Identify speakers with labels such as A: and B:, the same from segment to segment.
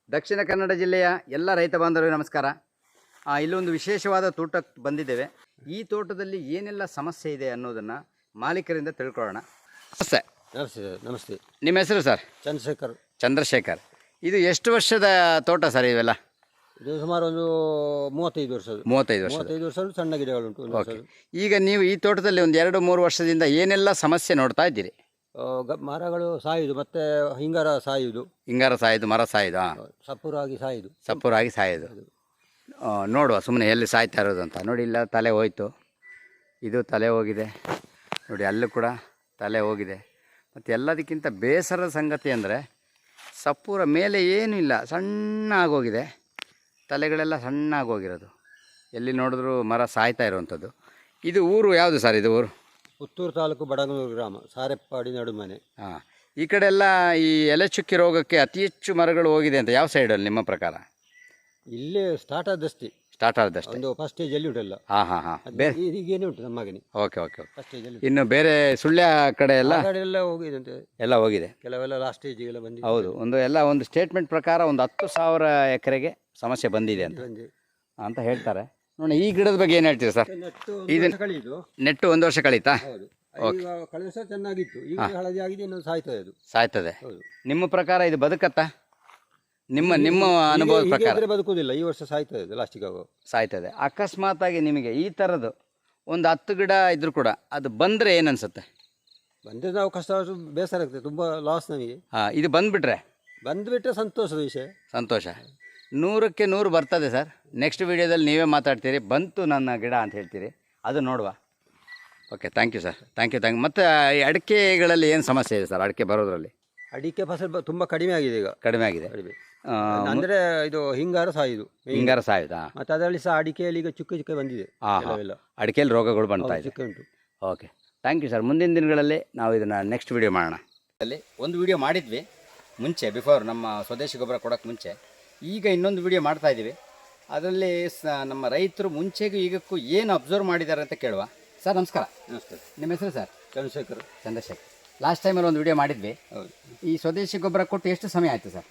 A: ದಕ್ಷಿಣ ಕನ್ನಡ ಜಿಲ್ಲೆಯ ಎಲ್ಲ ರೈತ ಬಾಂಧವರಿಗೆ ನಮಸ್ಕಾರ. ಇಲ್ಲೊಂದು ವಿಶೇಷವಾದ ತೋಟಕ್ಕೆ ಬಂದಿದ್ದೇವೆ. ಈ ತೋಟದಲ್ಲಿ ಏನೆಲ್ಲ ಸಮಸ್ಯೆ ಇದೆ ಅನ್ನೋದನ್ನು ಮಾಲೀಕರಿಂದ ತಿಳ್ಕೊಳ್ಳೋಣ. ನಮಸ್ತೆ.
B: ನಮಸ್ತೆ.
A: ನಿಮ್ಮ ಹೆಸರು ಸರ್?
B: ಚಂದ್ರಶೇಖರ್.
A: ಇದು ಎಷ್ಟು ವರ್ಷದ ತೋಟ ಸರ್ ಇವೆಲ್ಲ?
B: ಇದು ಸುಮಾರು ಒಂದು 35 ವರ್ಷ.
A: 35 ವರ್ಷ
B: ಸಣ್ಣ ಗಿಡಗಳುಂಟು.
A: ಓಕೆ. ಈಗ ನೀವು ಈ ತೋಟದಲ್ಲಿ ಒಂದು 2-3 ವರ್ಷದಿಂದ ಏನೆಲ್ಲ ಸಮಸ್ಯೆ ನೋಡ್ತಾ ಇದ್ದೀರಿ?
B: ಮರಗಳು ಸಾಯುದು, ಮತ್ತೆ ಹಿಂಗಾರ ಸಾಯುದು,
A: ಮರ ಸಾಯುದು, ಸಪೂರಾಗಿ ಸಾಯೋದು. ನೋಡುವ ಸುಮ್ಮನೆ ಎಲ್ಲಿ ಸಾಯ್ತಾ ಇರೋದು ಅಂತ. ನೋಡಿ, ಇಲ್ಲ ತಲೆ ಹೋಯ್ತು, ಇದು ತಲೆ ಹೋಗಿದೆ, ನೋಡಿ ಅಲ್ಲೂ ಕೂಡ ತಲೆ ಹೋಗಿದೆ. ಮತ್ತು ಎಲ್ಲದಕ್ಕಿಂತ ಬೇಸರದ ಸಂಗತಿ ಅಂದರೆ ಸಪೂರ ಮೇಲೆ ಏನೂ ಇಲ್ಲ, ಸಣ್ಣ ಆಗೋಗಿದೆ, ತಲೆಗಳೆಲ್ಲ ಸಣ್ಣ ಆಗೋಗಿರೋದು. ಎಲ್ಲಿ ನೋಡಿದ್ರೂ ಮರ ಸಾಯ್ತಾ ಇರುವಂಥದ್ದು. ಇದು ಊರು ಯಾವುದು ಸರ್? ಇದು ಊರು
B: ಪುತ್ತೂರು ತಾಲೂಕು ಬಡಗನೂರು ಗ್ರಾಮ, ಸಾರೆಪ್ಪಾಡಿ ನಡುಮನೆ.
A: ಹಾಂ. ಈ ಕಡೆ ಎಲ್ಲ ಈ ಎಲೆ ಚುಕ್ಕಿ ರೋಗಕ್ಕೆ ಅತಿ ಹೆಚ್ಚು ಮರಗಳು ಹೋಗಿದೆ ಅಂತ ಯಾವ ಸೈಡಲ್ಲಿ ನಿಮ್ಮ ಪ್ರಕಾರ?
B: ಇಲ್ಲೇ ಸ್ಟಾರ್ಟ್ ಆದಷ್ಟೇ. ಒಂದು ಫಸ್ಟ್ ಸ್ಟೇಜಲ್ಲಿ ಉಂಟಲ್ಲ.
A: ಬೇರೆ
B: ಈಗೇನೆ ಉಂಟು ನಮ್ಮಗನೆ.
A: ಓಕೆ. ಫಸ್ಟ್ ಸ್ಟೇಜಲ್ಲಿ. ಇನ್ನು ಬೇರೆ ಸುಳ್ಯ ಕಡೆ ಎಲ್ಲ
B: ಹೋಗಿದೆ ಅಂತ.
A: ಎಲ್ಲ ಹೋಗಿದೆ,
B: ಕೆಲವೆಲ್ಲ ಲಾಸ್ಟ್ ಸ್ಟೇಜಿಗೆಲ್ಲ ಬಂದಿದೆ.
A: ಹೌದು. ಒಂದು ಸ್ಟೇಟ್ಮೆಂಟ್ ಪ್ರಕಾರ ಒಂದು 10,000 ಎಕರೆಗೆ ಸಮಸ್ಯೆ ಬಂದಿದೆ ಅಂತ ಹೇಳ್ತಾರೆ. ನೋಡಿ, ಈ ಗಿಡದ ಬಗ್ಗೆ ಏನು ಹೇಳ್ತೀರಿ ಸರ್? ನೆಟ್ಟು 1 ವರ್ಷ ಕಳೀತಾ?
B: ಕಳೆದ ವರ್ಷ ಚೆನ್ನಾಗಿತ್ತು, ಈಗ ಹಳದಿ ಆಗಿದೆ, ಇನ್ನು
A: ಸಾಯ್ತದೆ. ನಿಮ್ಮ ಪ್ರಕಾರ ಇದು ಬದುಕತ್ತಾ? ನಿಮ್ಮ ಅನುಭವದ ಪ್ರಕಾರ
B: ಬದುಕುವುದಿಲ್ಲ, ಈ ವರ್ಷ ಸಾಯ್ತದೆ.
A: ಅಕಸ್ಮಾತ್ ಆಗಿ ನಿಮಗೆ ಈ ಥರದ್ದು ಒಂದು 10 ಗಿಡ ಇದ್ರೂ ಕೂಡ ಅದು ಬಂದರೆ ಏನು ಅನ್ಸುತ್ತೆ?
B: ಬಂದರೆ ನಾವು ಕಷ್ಟ, ಬೇಸರ ಆಗ್ತದೆ, ತುಂಬ ಲಾಸ್ ನಮಗೆ.
A: ಇದು ಬಂದುಬಿಟ್ರೆ
B: ಸಂತೋಷದ ವಿಷಯ.
A: ಸಂತೋಷ. 100ಕ್ಕೆ 100 ಬರ್ತದೆ ಸರ್. ನೆಕ್ಸ್ಟ್ ವೀಡಿಯೋದಲ್ಲಿ ನೀವೇ ಮಾತಾಡ್ತೀರಿ, ಬಂತು ನನ್ನ ಗಿಡ ಅಂತ ಹೇಳ್ತೀರಿ, ಅದು ನೋಡುವ. Okay, thank you sir. Thank you. ಮತ್ತು ಈ ಅಡಿಕೆಗಳಲ್ಲಿ ಏನು ಸಮಸ್ಯೆ ಇದೆ ಸರ್? ಅಡಿಕೆ ಬರೋದ್ರಲ್ಲಿ
B: ಅಡಿಕೆ ಫಸಲು ತುಂಬ ಕಡಿಮೆ ಆಗಿದೆ. ಈಗ
A: ಕಡಿಮೆ
B: ಅಂದರೆ ಇದು ಹಿಂಗಾರ ಸಾಯುದು. ಮತ್ತು ಅದರಲ್ಲಿ ಸಹ ಅಡಿಕೆಯಲ್ಲಿ ಈಗ ಚುಕ್ಕೆ ಬಂದಿದೆ.
A: ಅಡಿಕೆಯಲ್ಲಿ ರೋಗಗಳು ಬರ್ತಾ ಇದೆ.
B: ಚುಕ್ಕೆ ಉಂಟು.
A: Okay, thank you sir. ಮುಂದಿನ ದಿನಗಳಲ್ಲಿ ನಾವು ಇದನ್ನು ನೆಕ್ಸ್ಟ್ ವೀಡಿಯೋ ಮಾಡೋಣ. ಅಲ್ಲಿ ಒಂದು ವೀಡಿಯೋ ಮಾಡಿದ್ವಿ ಮುಂಚೆ, ಬಿಫೋರ್ ನಮ್ಮ ಸ್ವದೇಶಿ ಗೊಬ್ಬರ ಕೊಡೋಕ್ಕೆ ಮುಂಚೆ. ಈಗ ಇನ್ನೊಂದು ವಿಡಿಯೋ ಮಾಡ್ತಾಯಿದ್ದೀವಿ. ಅದರಲ್ಲಿ ನಮ್ಮ ರೈತರು ಮುಂಚೆಗೂ ಈಗಕ್ಕೂ ಏನು ಅಬ್ಸರ್ವ್ ಮಾಡಿದ್ದಾರೆ ಅಂತ ಕೇಳುವ. ಸರ್ ನಮಸ್ಕಾರ.
B: ನಮಸ್ತೆ.
A: ನಿಮ್ಮ ಹೆಸರು ಸರ್?
B: ಚಂದ್ರಶೇಖರ್.
A: ಲಾಸ್ಟ್ ಟೈಮಲ್ಲಿ ಒಂದು ವಿಡಿಯೋ ಮಾಡಿದ್ವಿ.
B: ಹೌದು.
A: ಈ ಸ್ವದೇಶಿ ಗೊಬ್ಬರ ಕೊಟ್ಟು ಎಷ್ಟು ಸಮಯ ಆಯಿತು ಸರ್?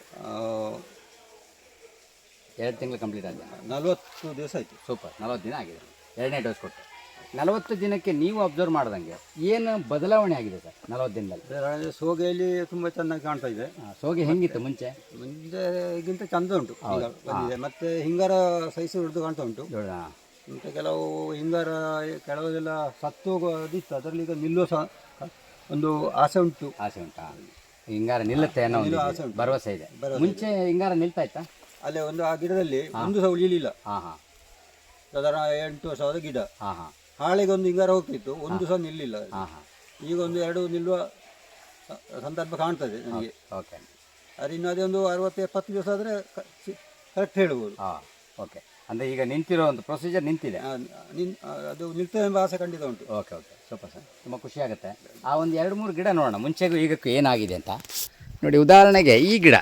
A: 2 ತಿಂಗಳು ಕಂಪ್ಲೀಟ್ ಆಗಿದೆ.
B: 40 ದಿವಸ ಆಯಿತು.
A: ಸೂಪರ್. 40 ದಿನ ಆಗಿದೆ. 2ನೇ ಡೋಸ್ ಕೊಟ್ಟು 40 ದಿನಕ್ಕೆ ನೀವು ಅಬ್ಸರ್ವ್ ಮಾಡ್ದಂಗೆ ಏನು ಬದಲಾವಣೆ ಆಗಿದೆ ಸರ್ 40 ದಿನದಲ್ಲಿ?
B: ಸೋಗೆಯಲ್ಲಿ ತುಂಬ ಚೆನ್ನಾಗಿ ಕಾಣ್ತಾ ಇದೆ.
A: ಸೋಗೆ ಹೆಂಗಿತ್ತು ಮುಂಚೆ?
B: ಈಗಿಂತ ಚಂದ ಉಂಟು, ಬಂದಿದೆ. ಮತ್ತು ಹಿಂಗಾರ ಸೈಜ್ ಹಿಡಿದು ಕಾಣ್ತಾ ಉಂಟು. ಮತ್ತು ಕೆಲವು ಹಿಂಗಾರ ಕೆಲವೆಲ್ಲ ಸತ್ತು ಹೋಗೋದಿತ್ತು, ಅದರಲ್ಲಿ ಈಗ ನಿಲ್ಲುವ ಸಹ ಒಂದು ಆಸೆ ಉಂಟು.
A: ಹಿಂಗಾರ ನಿಲ್ಲುತ್ತೆ ಅನ್ನೋ ಭರವಸೆ ಇದೆ. ಮುಂಚೆ ಹಿಂಗಾರ ನಿಲ್ತಾ ಇತ್ತಾ?
B: ಅಲ್ಲೇ ಆ ಗಿಡದಲ್ಲಿ ಒಂದು ಸಹ ಉಳಿಯಲಿಲ್ಲ. ಸಾಧಾರಣ 8 ವರ್ಷದ ಗಿಡ. ಹಾಳೆಗೆ ಒಂದು ಹಿಂಗಾರ ಹೋಗ್ತಿತ್ತು, ಒಂದು ಸಹ ನಿಲ್ಲಿಲ್ಲ. ಈಗ 1-2 ನಿಲ್ಲುವ ಸಂದರ್ಭ ಕಾಣ್ತದೆ ನನಗೆ. ಅದು ಇನ್ನು ಅದೇ ಒಂದು 60-70 ದಿವಸ ಆದರೆ ಕರೆಕ್ಟ್ ಹೇಳ್ಬೋದು.
A: ಓಕೆ. ಅಂದರೆ ಈಗ ನಿಂತಿರೋ ಒಂದು ಪ್ರೊಸೀಜರ್ ನಿಂತಿದೆ,
B: ಅದು ನಿಲ್ತದೆ ಎಂಬ ಆಸೆ ಖಂಡಿತ ಉಂಟು.
A: ಓಕೆ. ಸೂಪರ್ ಸರ್, ತುಂಬ ಖುಷಿ ಆಗುತ್ತೆ. ಆ ಒಂದು 2-3 ಗಿಡ ನೋಡೋಣ ಮುಂಚೆಗೂ ಈಗಕ್ಕೂ ಏನಾಗಿದೆ ಅಂತ. ನೋಡಿ, ಉದಾಹರಣೆಗೆ ಈ ಗಿಡ,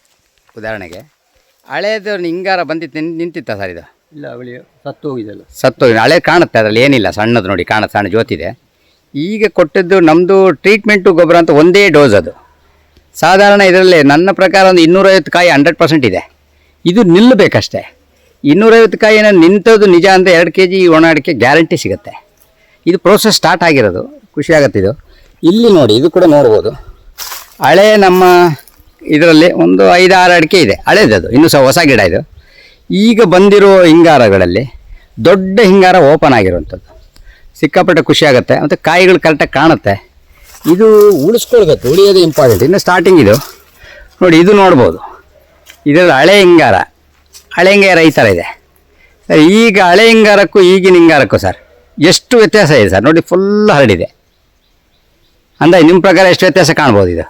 A: ಹಳೇದು ಹಿಂಗಾರ ಬಂದಿತ್ತು, ನಿಂತಿತ್ತ ಸರ್ ಇದು?
B: ಇಲ್ಲ, ಅವಳಿ ಸತ್ತು ಹೋಗಿದೆಲ್ಲ.
A: ಹಳೆ ಕಾಣುತ್ತೆ, ಅದರಲ್ಲಿ ಏನಿಲ್ಲ, ಸಣ್ಣದು ನೋಡಿ ಕಾಣುತ್ತೆ, ಸಣ್ಣ ಜ್ಯೋತಿದೆ. ಈಗ ಕೊಟ್ಟದ್ದು ನಮ್ಮದು ಟ್ರೀಟ್ಮೆಂಟು ಗೊಬ್ಬರ ಅಂತ ಒಂದೇ ಡೋಸ್. ಅದು ಸಾಧಾರಣ ಇದರಲ್ಲಿ ನನ್ನ ಪ್ರಕಾರ ಒಂದು 250 ಕಾಯಿ 100% ಇದೆ. ಇದು ನಿಲ್ಲಬೇಕಷ್ಟೇ. 250 ಕಾಯಿನ ನಿಂತದ್ದು ನಿಜ ಅಂತ 2 kg ಒಣ ಅಡಿಕೆ ಗ್ಯಾರಂಟಿ ಸಿಗುತ್ತೆ. ಇದು ಪ್ರೋಸೆಸ್ ಸ್ಟಾರ್ಟ್ ಆಗಿರೋದು, ಖುಷಿ ಆಗುತ್ತೆ. ಇದು ಇಲ್ಲಿ ನೋಡಿ, ಇದು ಕೂಡ ನೋಡ್ಬೋದು. ಹಳೆ ನಮ್ಮ ಇದರಲ್ಲಿ ಒಂದು 5-6 ಅಡಿಕೆ ಇದೆ, ಹಳೇದದು, ಇನ್ನೂ ಸಹ ಹೊಸ ಗಿಡ ಇದು. ಈಗ ಬಂದಿರೋ ಹಿಂಗಾರಗಳಲ್ಲಿ ದೊಡ್ಡ ಹಿಂಗಾರ ಓಪನ್ ಆಗಿರುವಂಥದ್ದು, ಸಿಕ್ಕಾಪಟ್ಟೆ ಖುಷಿ ಆಗುತ್ತೆ. ಮತ್ತು ಕಾಯಿಗಳು ಕರೆಕ್ಟಾಗಿ ಕಾಣುತ್ತೆ. ಇದು ಉಳಿಸ್ಕೊಳ್ಬೇಕು, ಉಳಿಯೋದು ಇಂಪಾರ್ಟೆಂಟ್. ಇನ್ನು ಸ್ಟಾರ್ಟಿಂಗ್ ಇದು ನೋಡಿ, ಇದು ನೋಡ್ಬೋದು. ಇದರಲ್ಲಿ ಹಳೆ ಹಿಂಗಾರ ಈ ಥರ ಇದೆ. ಈಗ ಹಳೆ ಹಿಂಗಾರಕ್ಕೂ ಈಗಿನ ಹಿಂಗಾರಕ್ಕೂ ಸರ್ ಎಷ್ಟು ವ್ಯತ್ಯಾಸ ಇದೆ ಸರ್? ನೋಡಿ, ಫುಲ್ ಹರಡಿದೆ. ಅಂದರೆ ನಿಮ್ಮ ಪ್ರಕಾರ ಎಷ್ಟು ವ್ಯತ್ಯಾಸ ಕಾಣ್ಬೋದು? ಇದು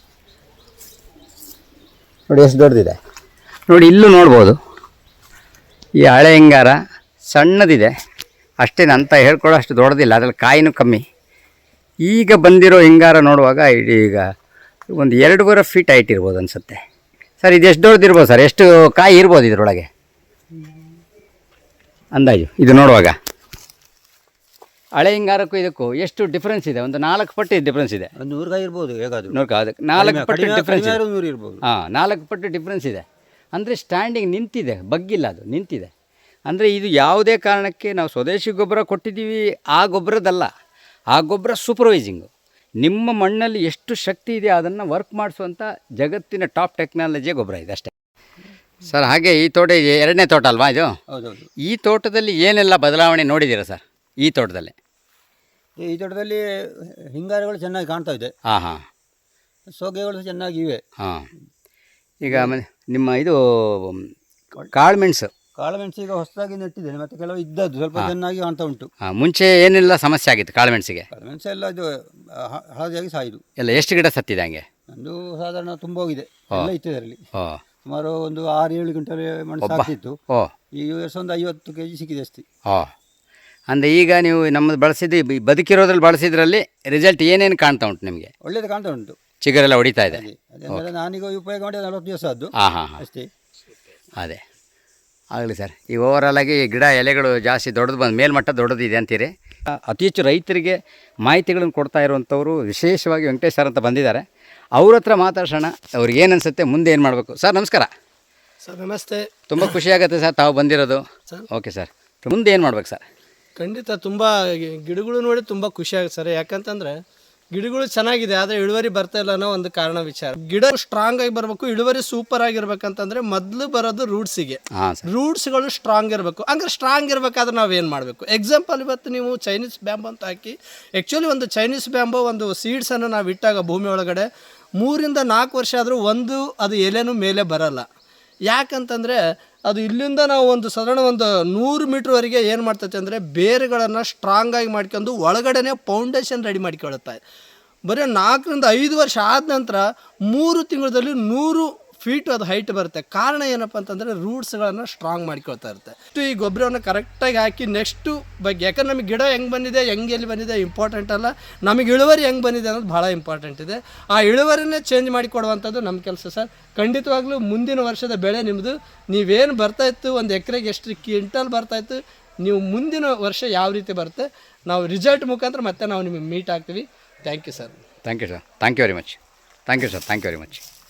A: ನೋಡಿ ಎಷ್ಟು ದೊಡ್ಡದಿದೆ. ನೋಡಿ, ಇಲ್ಲೂ ನೋಡ್ಬೋದು. ಈ ಹಳೆ ಹಿಂಗಾರ ಸಣ್ಣದಿದೆ, ಅಷ್ಟೇನು ಅಂತ ಹೇಳ್ಕೊಳ್ಳೋ ಅಷ್ಟು ದೊಡ್ಡದಿಲ್ಲ, ಅದರಲ್ಲಿ ಕಾಯಿನೂ ಕಮ್ಮಿ. ಈಗ ಬಂದಿರೋ ಹಿಂಗಾರ ನೋಡುವಾಗ ಈಗ ಒಂದು 2.5 ಫೀಟ್ ಹೈಟ್ ಇರ್ಬೋದು ಅನಿಸುತ್ತೆ ಸರ್. ಇದು ಎಷ್ಟು ದೊಡ್ಡದಿರ್ಬೋದು ಸರ್? ಎಷ್ಟು ಕಾಯಿ ಇರ್ಬೋದು ಇದರೊಳಗೆ ಅಂದಾಜು? ಇದು ನೋಡುವಾಗ ಹಳೆ ಹಿಂಗಾರಕ್ಕೂ ಇದಕ್ಕೂ ಎಷ್ಟು ಡಿಫ್ರೆನ್ಸ್ ಇದೆ? ಒಂದು 4 ಪಟ್ಟು ಡಿಫ್ರೆನ್ಸ್ ಇದೆ.
B: ಒಂದು 100 ಕಾಯಿ ಇರ್ಬೋದು ಹೇಗಾದರೂ.
A: ಅದಕ್ಕೆ 4 ಪಟ್ಟು ಡಿಫ್ರೆನ್ಸ್ ಇದೆ.
B: 100 ಇರ್ಬೋದು.
A: 4 ಪಟ್ಟು ಡಿಫ್ರೆನ್ಸ್ ಇದೆ. ಅಂದರೆ ಸ್ಟ್ಯಾಂಡಿಂಗ್ ನಿಂತಿದೆ, ಬಗ್ಗಿಲ್ಲ, ಅದು ನಿಂತಿದೆ. ಅಂದರೆ ಇದು ಯಾವುದೇ ಕಾರಣಕ್ಕೆ ನಾವು ಸ್ವದೇಶಿ ಗೊಬ್ಬರ ಕೊಟ್ಟಿದ್ದೀವಿ ಆ ಗೊಬ್ಬರದಲ್ಲ, ಆ ಗೊಬ್ಬರ ಸೂಪರ್ವೈಸಿಂಗು. ನಿಮ್ಮ ಮಣ್ಣಲ್ಲಿ ಎಷ್ಟು ಶಕ್ತಿ ಇದೆ ಅದನ್ನು ವರ್ಕ್ ಮಾಡಿಸುವಂಥ ಜಗತ್ತಿನ ಟಾಪ್ ಟೆಕ್ನಾಲಜಿಯ ಗೊಬ್ಬರ ಇದೆ ಅಷ್ಟೇ ಸರ್. ಹಾಗೆ ಈ ತೋಟ 2ನೇ ತೋಟ ಅಲ್ವಾ ಇದು?
B: ಹೌದೌದು.
A: ಈ ತೋಟದಲ್ಲಿ ಏನೆಲ್ಲ ಬದಲಾವಣೆ ನೋಡಿದ್ದೀರಾ ಸರ್ ಈ ತೋಟದಲ್ಲಿ?
B: ಈ ತೋಟದಲ್ಲಿ ಹಿಂಗಾರುಗಳು ಚೆನ್ನಾಗಿ ಕಾಣ್ತಾ ಇದೆ.
A: ಹಾಂ.
B: ಸೋಗೆಗಳು ಚೆನ್ನಾಗಿವೆ.
A: ಹಾಂ. ಈಗ ನಿಮ್ಮ ಇದು ಕಾಳುಮೆಣಸು
B: ಈಗ ಹೊಸದಾಗಿ ನೆಟ್ಟಿದ್ದೇನೆ, ಮತ್ತು ಕೆಲವು ಇದ್ದದ್ದು ಸ್ವಲ್ಪ ಚೆನ್ನಾಗಿ ಕಾಣ್ತಾ ಉಂಟು.
A: ಮುಂಚೆ ಏನೆಲ್ಲ ಸಮಸ್ಯೆ ಆಗಿತ್ತು ಕಾಳುಮೆಣಸಿಗೆ?
B: ಕಾಳುಮೆಣಸು ಎಲ್ಲ ಇದು ಹಳದಿಯಾಗಿ ಸಾಯಿದು
A: ಎಲ್ಲ ಎಷ್ಟು ಗಿಡ ಸತ್ತಿದೆ ಹಂಗೆ?
B: ಒಂದು ಸಾಧಾರಣ ತುಂಬ ಹೋಗಿದೆ, ಎಲ್ಲ ಇತ್ತು ಇದರಲ್ಲಿ. ಸುಮಾರು ಒಂದು 6-7 ಕ್ವಿಂಟಲ್ ಮಣ್ಣು ಸಾಕಿತ್ತು. ಈ ವರ್ಷ ಒಂದು 50 kg ಸಿಕ್ಕಿದೆ ಅಷ್ಟೇ.
A: ಅಂದರೆ ಈಗ ನೀವು ನಮ್ಮದು ಬಳಸಿದ್ದು ಬದುಕಿರೋದ್ರಲ್ಲಿ ಬಳಸಿದ್ರಲ್ಲಿ ರಿಸಲ್ಟ್ ಏನೇನು ಕಾಣ್ತಾ ಉಂಟು ನಿಮಗೆ?
B: ಒಳ್ಳೇದು ಕಾಣ್ತಾ ಉಂಟು,
A: ಚಿಗುರೆಲ್ಲ ಹೊಡಿತಾ ಇದೆ.
B: ಅದೇ ನಾನೀಗ ಉಪಯೋಗ ಮಾಡಿ 40 ದಿವಸ ಆದ್ದು ಅಷ್ಟೇ.
A: ಅದೇ ಆಗಲಿ ಸರ್. ಈ ಓವರಾಲ್ ಆಗಿ ಗಿಡ ಎಲೆಗಳು ಜಾಸ್ತಿ ದೊಡ್ಡದು ಬಂದು ಮೇಲ್ಮಟ್ಟ ದೊಡ್ಡದಿದೆ ಅಂತೀರಿ. ಅತಿ ಹೆಚ್ಚು ರೈತರಿಗೆ ಮಾಹಿತಿಗಳನ್ನು ಕೊಡ್ತಾ ಇರುವಂಥವ್ರು ವಿಶೇಷವಾಗಿ ವೆಂಕಟೇಶ್ ಸರ್ ಅಂತ ಬಂದಿದ್ದಾರೆ. ಅವ್ರ ಹತ್ರ ಮಾತಾಡ್ಸೋಣ, ಅವ್ರಿಗೆ ಏನು ಅನಿಸುತ್ತೆ, ಮುಂದೆ ಏನು ಮಾಡಬೇಕು. ಸರ್ ನಮಸ್ಕಾರ.
C: ಸರ್ ನಮಸ್ತೆ.
A: ತುಂಬ ಖುಷಿಯಾಗುತ್ತೆ ಸರ್ ತಾವು ಬಂದಿರೋದು. ಓಕೆ ಸರ್, ಮುಂದೆ ಏನು ಮಾಡ್ಬೇಕು ಸರ್?
C: ಖಂಡಿತ ತುಂಬ ಗಿಡಗಳು ನೋಡಿ ತುಂಬ ಖುಷಿ ಆಗುತ್ತೆ ಸರ್. ಯಾಕಂತಂದರೆ ಗಿಡಗಳು ಚೆನ್ನಾಗಿದೆ, ಆದರೆ ಇಳುವರಿ ಬರ್ತಾ ಇಲ್ಲ ಅನ್ನೋ ಒಂದು ಕಾರಣ ವಿಚಾರ. ಗಿಡ ಸ್ಟ್ರಾಂಗ್ ಆಗಿ ಬರಬೇಕು, ಇಳುವರಿ ಸೂಪರ್ ಆಗಿರ್ಬೇಕಂತಂದ್ರೆ ಮೊದಲು ಬರೋದು ರೂಟ್ಸಿಗೆ. ರೂಟ್ಸ್ಗಳು ಸ್ಟ್ರಾಂಗ್ ಇರಬೇಕು. ಹಂಗೆ ಸ್ಟ್ರಾಂಗ್ ಇರಬೇಕಾದ್ರೆ ನಾವೇನು ಮಾಡಬೇಕು? ಎಕ್ಸಾಂಪಲ್, ಇವತ್ತು ನೀವು ಚೈನೀಸ್ ಬ್ಯಾಂಬೋ ಅಂತ ಹಾಕಿ, ಆ್ಯಕ್ಚುಲಿ ಒಂದು ಚೈನೀಸ್ ಬ್ಯಾಂಬೋ ಒಂದು ಸೀಡ್ಸನ್ನು ನಾವು ಇಟ್ಟಾಗ ಭೂಮಿ ಒಳಗಡೆ 3 ರಿಂದ 4 ವರ್ಷ ಆದರೂ ಅದು ಎಲೆನೂ ಮೇಲೆ ಬರಲ್ಲ. ಯಾಕಂತಂದರೆ ಅದು ಇಲ್ಲಿಂದ ನಾವು ಒಂದು ಸಾಧಾರಣ ಒಂದು 100 ಮೀಟ್ರ್ವರೆಗೆ ಏನು ಮಾಡ್ತೈತೆ ಅಂದರೆ ಬೇರುಗಳನ್ನು ಸ್ಟ್ರಾಂಗಾಗಿ ಮಾಡ್ಕೊಂಡು ಒಳಗಡೆ ಫೌಂಡೇಶನ್ ರೆಡಿ ಮಾಡ್ಕೊಳುತ್ತೆ. ಬರೀ 4 ರಿಂದ 5 ವರ್ಷ ಆದ ನಂತರ 3 ತಿಂಗಳಲ್ಲಿ 100 ಫೀಟ್ ಅದು ಹೈಟ್ ಬರುತ್ತೆ. ಕಾರಣ ಏನಪ್ಪ ಅಂತಂದರೆ ರೂಟ್ಸ್ಗಳನ್ನು ಸ್ಟ್ರಾಂಗ್ ಮಾಡ್ಕೊಳ್ತಾ ಇರುತ್ತೆ. ಈ ಗೊಬ್ಬರವನ್ನು ಕರೆಕ್ಟಾಗಿ ಹಾಕಿ ನೆಕ್ಸ್ಟು ಬಗ್ಗೆ, ಯಾಕಂದ್ರೆ ನಮಗೆ ಗಿಡ ಹೆಂಗೆ ಬಂದಿದೆ, ಎಲ್ಲಿ ಬಂದಿದೆ ಇಂಪಾರ್ಟೆಂಟ್ ಅಲ್ಲ, ನಮಗೆ ಇಳುವರಿ ಹೆಂಗೆ ಬಂದಿದೆ ಅನ್ನೋದು ಭಾಳ ಇಂಪಾರ್ಟೆಂಟ್ ಇದೆ. ಆ ಇಳುವರಿನೇ ಚೇಂಜ್ ಮಾಡಿಕೊಡುವಂಥದ್ದು ನಮ್ಮ ಕೆಲಸ ಸರ್. ಖಂಡಿತವಾಗ್ಲೂ ಮುಂದಿನ ವರ್ಷದ ಬೆಳೆ ನಿಮ್ಮದು. ನೀವೇನು ಬರ್ತಾಯಿತ್ತು, ಒಂದು ಎಕರೆಗೆ ಎಷ್ಟು ಕ್ವಿಂಟಲ್ ಬರ್ತಾಯಿತ್ತು, ನೀವು ಮುಂದಿನ ವರ್ಷ ಯಾವ ರೀತಿ ಬರುತ್ತೆ, ನಾವು ರಿಸಲ್ಟ್ ಮುಖಾಂತರ ಮತ್ತೆ ನಾವು ನಿಮಗೆ ಮೀಟ್ ಆಗ್ತೀವಿ. Thank you sir.
A: Thank you sir. Thank you very much. Thank you sir. Thank you very much.